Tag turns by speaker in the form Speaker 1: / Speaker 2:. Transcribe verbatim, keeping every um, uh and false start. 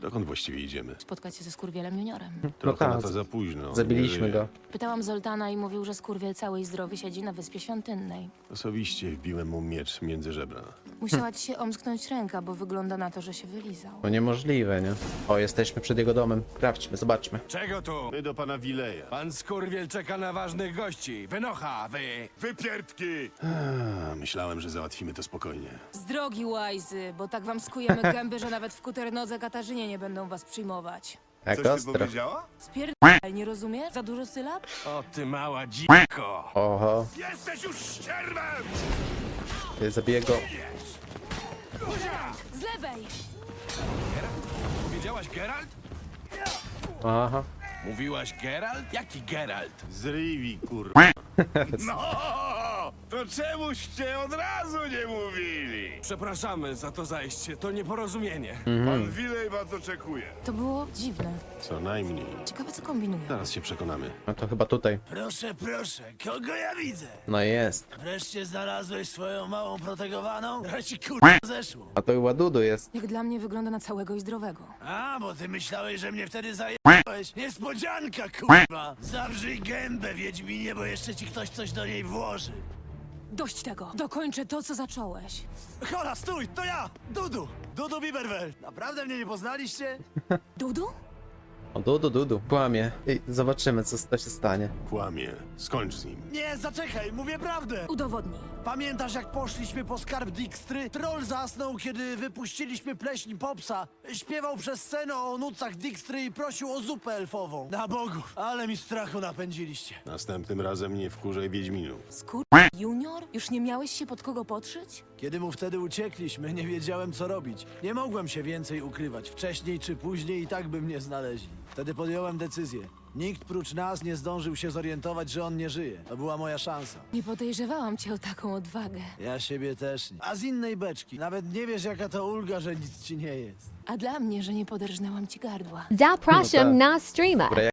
Speaker 1: Dokąd właściwie idziemy?
Speaker 2: Spotkać się ze Skurwielem Juniorem.
Speaker 1: Trochę
Speaker 3: tak,
Speaker 1: na to za późno. nie
Speaker 3: Zabiliśmy
Speaker 1: żyje.
Speaker 3: go.
Speaker 2: Pytałam Zoltana i mówił, że Skurwiel cały i zdrowy siedzi na Wyspie Świątynnej.
Speaker 1: Osobiście wbiłem mu miecz między żebra.
Speaker 2: Musiała ci się omsknąć ręka, bo wygląda na to, że się wylizał.
Speaker 3: To niemożliwe, nie? O, jesteśmy przed jego domem. Sprawdźmy, zobaczmy.
Speaker 4: Czego tu?
Speaker 1: My do pana Wileja.
Speaker 4: Pan Skurwiel czeka na ważnych gości. Wynocha, wy! Wypierdki!
Speaker 1: A, myślałem, że załatwimy to spokojnie.
Speaker 2: Z drogi, łajzy, bo tak wam skujemy gęby, że nawet w kuternodze Katarzynie nie będą was przyjmować.
Speaker 3: Jak
Speaker 4: Coś ty
Speaker 3: ostro.
Speaker 4: powiedziała?
Speaker 2: Spierdaj, nie rozumiesz? Za dużo sylab?
Speaker 4: O ty mała dziko!
Speaker 3: Oho,
Speaker 4: Jesteś już ścierwem!
Speaker 3: ty zabiję go.
Speaker 2: Z lewej!
Speaker 4: Powiedziałaś Geralt?
Speaker 3: Aha.
Speaker 4: Mówiłaś Geralt? Jaki Geralt?
Speaker 1: Z Rivi, kur...
Speaker 4: No! To czemuście od razu nie mówili? Przepraszamy za to zajście, to nieporozumienie. Pan Wilej was oczekuje.
Speaker 2: To było dziwne.
Speaker 1: Co najmniej.
Speaker 2: Ciekawe, co kombinują.
Speaker 1: Zaraz się przekonamy.
Speaker 3: No to chyba tutaj.
Speaker 5: Proszę, proszę, kogo ja widzę?
Speaker 3: No jest.
Speaker 5: Wreszcie znalazłeś swoją małą protegowaną? Ja ci kurwa zeszło.
Speaker 3: A to chyba Dudu jest.
Speaker 2: Jak dla mnie wygląda na całego i zdrowego.
Speaker 5: A, bo ty myślałeś, że mnie wtedy zajebałeś. Niespodzianka, kurwa. Zawrzyj gębę, Wiedźminie, bo jeszcze ci ktoś coś do niej włoży.
Speaker 2: Dość tego! Dokończę to, co zacząłeś.
Speaker 5: Hola, stój, to ja, Dudu. Dudu Biberwel. Naprawdę mnie nie poznaliście?
Speaker 2: Dudu?
Speaker 3: O, Dudu, Dudu. Kłamie. I zobaczymy, co to się stanie.
Speaker 1: Kłamie. Skończ z nim.
Speaker 5: Nie, zaczekaj, mówię prawdę.
Speaker 2: Udowodnij.
Speaker 5: Pamiętasz, jak poszliśmy po skarb Dijkstry? Troll zasnął, kiedy wypuściliśmy pleśń Popsa. Śpiewał przez scenę o nucach Dijkstry i prosił o zupę elfową. Na bogów, ale mi strachu napędziliście.
Speaker 1: Następnym razem nie wkurzaj Wiedźminów.
Speaker 2: Skur... Junior? Już nie miałeś się pod kogo podszyć?
Speaker 5: Kiedy mu wtedy uciekliśmy, nie wiedziałem, co robić. Nie mogłem się więcej ukrywać. Wcześniej czy później i tak by mnie znaleźli. Wtedy podjąłem decyzję. Nikt prócz nas nie zdążył się zorientować, że on nie żyje. To była moja szansa.
Speaker 2: Nie podejrzewałam cię o taką odwagę.
Speaker 5: Ja siebie też nie. A z innej beczki. Nawet nie wiesz, jaka to ulga, że nic ci nie jest.
Speaker 2: A dla mnie, że nie poderżnęłam ci gardła.
Speaker 6: Zapraszam na streama.
Speaker 3: Dobra,